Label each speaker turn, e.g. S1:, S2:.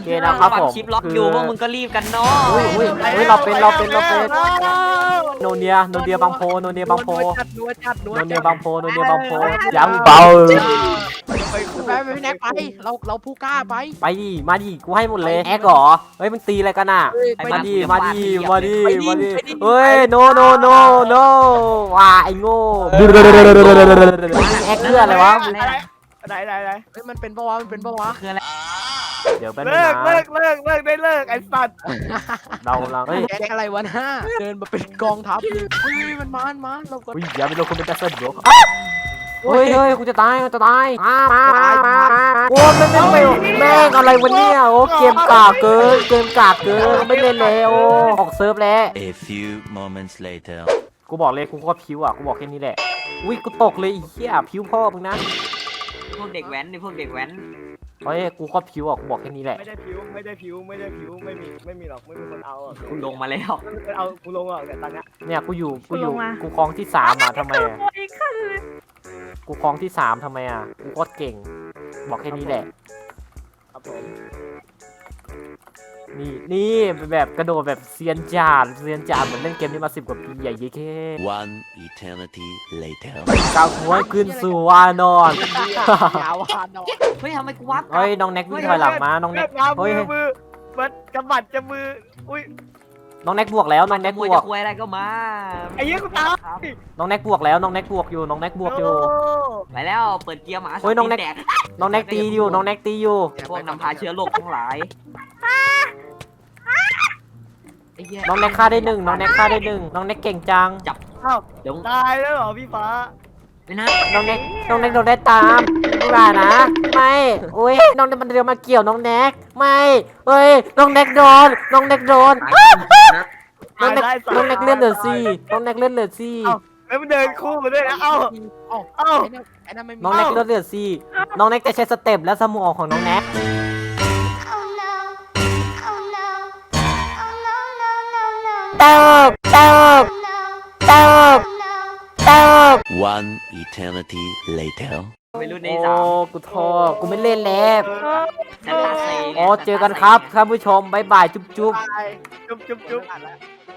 S1: เคนะครับผม
S2: ชิปล็อกอยู่พวกมึงก็รีบกันเนาะ
S1: อุ้ยเราเป็นโนเนียบางโพโนเนียบางโพ
S3: นัวจัด
S1: โนเนียบางโพยังเบา
S3: ไปพี่แน็กไปเราผู้กล้าไป
S1: ไปดิมาดิกูให้หมดเลยแอ๊กเหรอเฮ้ยมันตีอะไรกันอ่ะมาดิเฮ้ยโนว้าไอ้โง่แอ๊กเพื่ออะไรวะ
S4: ไหน
S3: เฮ้ยมันเป็นปะวะ
S2: คืออะไร
S1: เดี๋ยวแป๊บนึ
S4: เลิ
S1: ง
S4: ก
S1: นะ
S4: ได้เลิกไอ้สัตว์
S1: เราเฮ้ย
S3: แก๊งอะไรวะนะเดินมาเป็นกองทัพเฮ้ยมันมาเราก็
S1: อย่าไปลงคนเป็นแจ็คสันบล็อกเฮ้ยกูจะตายโอ้แม่งอะไรวะเนี่ยโอ้เกมกากเกินไม่เล่นแล้วออกเซิร์ฟแล้ว
S5: A few moments later.
S1: กูบอกเลยกูก็พิวอ่ะกูบอกแค่นี้แหละอุ้ยกูตกเลยอีเหี้ยพิวพ่อมึงนะ
S2: พวกเด็กแว้นนี่พวกเด็กแว้น
S1: เฮ้ยกูก็พิวอ่ะกูบอกแค่นี้แหละ
S4: ไม่ได้ผิวไม่มีหรอกไม่มีคนเอาอ่ะ
S2: กูลงมาแล้ว
S4: เอากูลงอ่ะแต่ตอนเนี้ย
S1: เนี่ยกูคลองที่3อ่ะทำไมอ่ะกูคลองที่3ทำไมอ่ะกูก็เก่งบอกแค่นี้แหละ
S4: ครับผม
S1: นี่แบบกระโดดแบบเซียนจานเหมือนเล่นเกมนี้มา10 กว่าปีใหญ่เย้แค่
S5: One eternity later.
S1: ก้าวหัวขึ้นสู่วานอน
S3: ยาวานเนาะ
S2: เฮ้ยทำไมกูวับ
S1: เฮ้ยน้องแน็กวิ่งถอยหลังมาน้องแน็กเฮ้ย
S4: มือมันกำบัดจะมืออุ้ย
S1: น้องแน็กบวกแล้วน้องแน็ก
S2: ม
S1: บ
S2: วย
S1: ว
S2: จะ
S1: ก
S2: คุยอะไรก็มา
S4: ไอ้เหี้ยกูตาย
S1: น้องแน็กบวกแล้วน้องแน็กบวกอยู่
S2: ไปแล้วเปิดเกียร์หมา
S1: เฮ้ยน้องแน็ก
S2: แตก
S1: น้องแน็กตีอยู่
S2: พวกนำพาเชื้อโรคทั้งหลายไอ้เหี้ย
S1: น้องแน็กฆ่าได้1น้องแน็กเก่งจัง
S4: อ้าว
S2: เดี๋ยว
S4: ตายแล้วเหรอพี่ฟ้า
S2: ไปนะ
S1: น้องแน็กโดนได้ตามไม่ว่านะไม่อุ้ยน้องแน็กมันเดินมาเกี่ยวน้องแน็กไม่เฮ้ยน้องแน็กโดนน้องแน็กเลื่อนเหลือ4
S4: แล้วมันเดินคู่มาด้วยนะเอ้า
S3: เอ้าไอ้นั่นไม่มี
S1: น้องแน็กเลื่อนเหลือ4น้องแน็กจะใช้สเต็ปและสมองของน้องแน็ก
S6: Oh no. Oh no.
S1: เติบ
S5: One eternity later.
S2: ไม่รู้ใน
S1: โอ้
S2: สาม
S1: กูท้อกูไม่เล่นแล้ว
S2: นันทาเซ
S1: อ๋อเจอกันครับท่านผู้ชมบ๊ายบายจุ๊บ
S4: จุ๊บ
S3: อ่านแล้ว